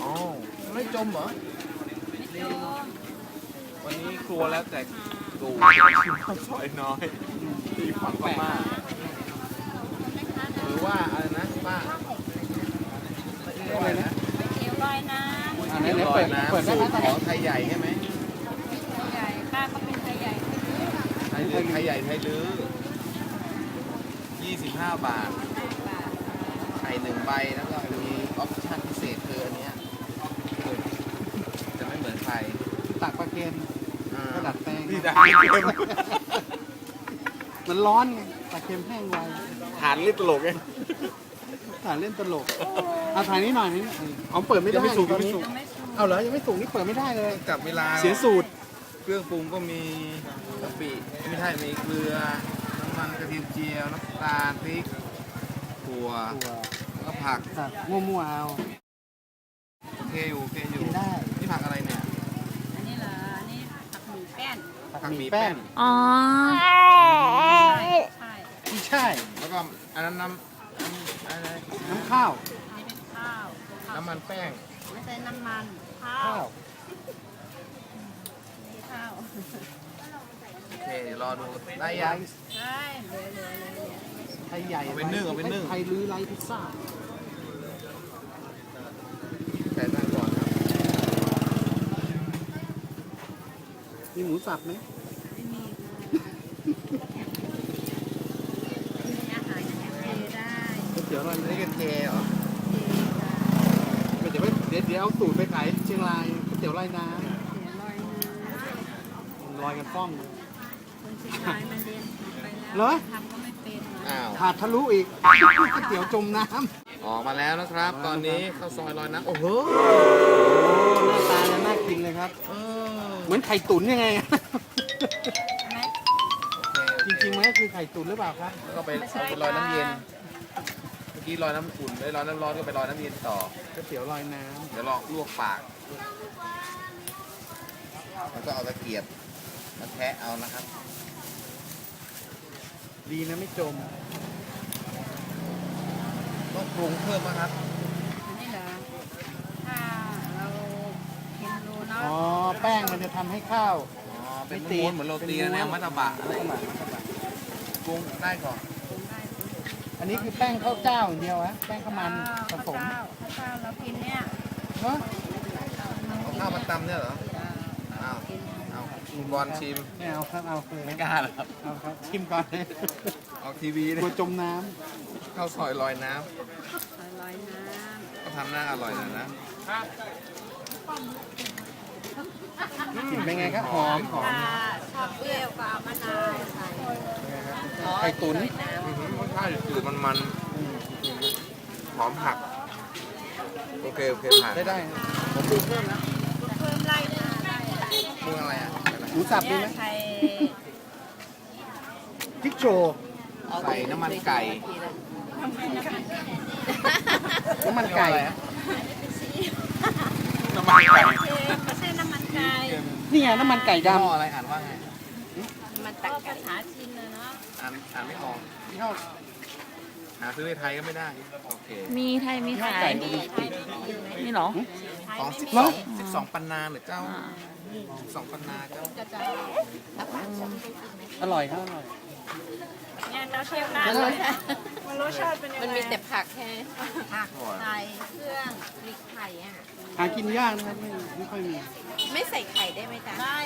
ไม่จมเหรอไม่จมวันนี้ครัวแล้วแต่ดูชิมข้าวซอยน้อยที่ฝั่งพม่าหรือว่าอะไรนะป้าอะไรนะเตี๋ยวลอยน้ำอันนี้เปิดน้ำสูตรของไทยใหญ่ใช่ไหมใหญ่ป้าก็เป็นไทยใหญ่ไทยใหญ่ไทยลื้อ25 บาทไข่1ใบแล้วก็มีออปชั่นพิเศษคืออันเนี้ยจะไม่เหมือนใครตักปลาเค็มก็ดัดแปลงนี่ได้เค็มมันร้อนไงปลาเค็มแห้งไวฐานเล่นตลกไงถ่ายเล่นตลกเอาถ่ายนี้หน่อยนี่เอาเปิดไม่ได้ยังไม่สุกตอนนี้ยังไม่สุกเอาเหรอยังไม่สุกนี่เปิดไม่ได้เลยจับเวลาเสียสูตรเครื่องปรุงก็มีกะปิไม่ใช่มีเกลือน้ำมันกระเทียมเจียวน้ำตาลพริกถั่วแล้วก็ผักตักมั่วๆเอาโอเคอยู่กินได้นี่ผักอะไรเนี่ยอันนี้เหรออันนี้ผักหมูแป้นผักหมี่แป้งอ๋อใช่ไม่ใช่แล้วก็อันนั้นน้ำอะไรน้ำข้าวอันนี้เป็นข้าวน้ำมันแป้งไม่ใช่น้ำมันข้าข้าว วนี่ข้าวโอเคเดี๋ยวรอดูได้ยังใช่เหลือไทยใหญ่เอาไปนึ่งเอาไปนึ่งไทยลื้อไรพิซซ่าแต่ตั้งก่อนครับมีหมูสับไหมไม่มีมีอาหารเทได้ก๋วยเตี๋ยวอะไรนี่กันเจเหรอเทได้เดี๋ยวเอาสูตรไปขายเชียงรายก๋วยเตี๋ยวไร่น้เสียลอยน้ำำลอยกันฟ้องเลยคนเชียงรายมาเรียนไปเหรแล้วอทำก็ไม่เป็นอ้าวถาดทะลุอีกก๋วยเตี๋ยวจมน้ำออกมาแล้วนะครับ ตอนนี้ข้าวซอยลอยน้ำโอ้โหหน้าตาจะน่ากินเลยครับเออเหมือนไข่ตุ๋นยังไงใช่ไหมจริงๆมันก็คือไข่ตุ๋นหรือเปล่าครับแล้วก็ไปเอาไปลอยน้ำเย็น เมื่อกี้ลอยน้ำอุ่นได้ลอยน้ำร้อนก็ไปลอยน้ำเย็นต่อก๋วยเตี๋ยวลอยน้เดี๋ยวลอกลวกปาก แล้วก็เอาตะเกียบมาแทะเอานะครับำดีนะไม่จมต้องปรุงเพิ่มนะครับอันนี้เหรอถ้าเราเห็นดูเนาะอ๋อ แป้งมันจะทำให้ข้าวอ๋อ เป็นม้วนๆเหมือนโรตีนะแนวมัตตบะอะไรปรุงได้ก่อนปรุงได้อันนี้คือแป้งข้าวเจ้าอย่างเดียวฮะแป้งข้าวมันผสมข้าวเรากินเนี่ยเนาะเอาข้าวมาตำเนี่ยเหรอ อ้าว เอาคุณบอลชิมไม่เอาครับเอาคือไม่กล้าหรอครับเอาครับชิมก่อนเลยออกทีวีกเนี่ลัวย จมน้ข้าวซอยลอยน้ลอยน้ำก็ทำหน้าอร่อยหน่อยนะำกลิ่นเป็นไงครับหอมหอำมถ้าชอบเปรี้ยวก็เอามะนาวใส่ไข่ตุ๋นอื้อหือรสชาติจืดมันๆหอมผัก โอเคผ่านได้ได้ผมดูเพิ่มนะเพิ่มไล่มาได้ปรุงอะไรอ่ะหมูสับดีเนี่ยไหมใส่พริกโชว์ใส่น้ำมันไก่น้ำมันไก่น้ำมันไก่ไม่ใช่น้ำมันไก่นี่ไงน้ำมันไก่ยี่ห้อดำอะไรอ่านว่าไงมันตักภาษาจีนเลยเนาะอ่านไม่ออกยี่ห้อหาซื้อในไทยก็ไม่ได้ โอเคมีไทยมีขายไก่นี่เหรอของเหรอ 12ปันนาหรือเจ้า12ปันนาเจ้าจะอร่อยครับอร่อยเนี่ยเราเชฟร้านเลยมันรสชาติเป็นยังไงมันมีแต่ผักแค่ผักไทยเครื่องพริกไทยอ่ะหากินยากนะครับไม่ค่อยมีไม่ใส่ไข่ได้ไหมจ๊ะได้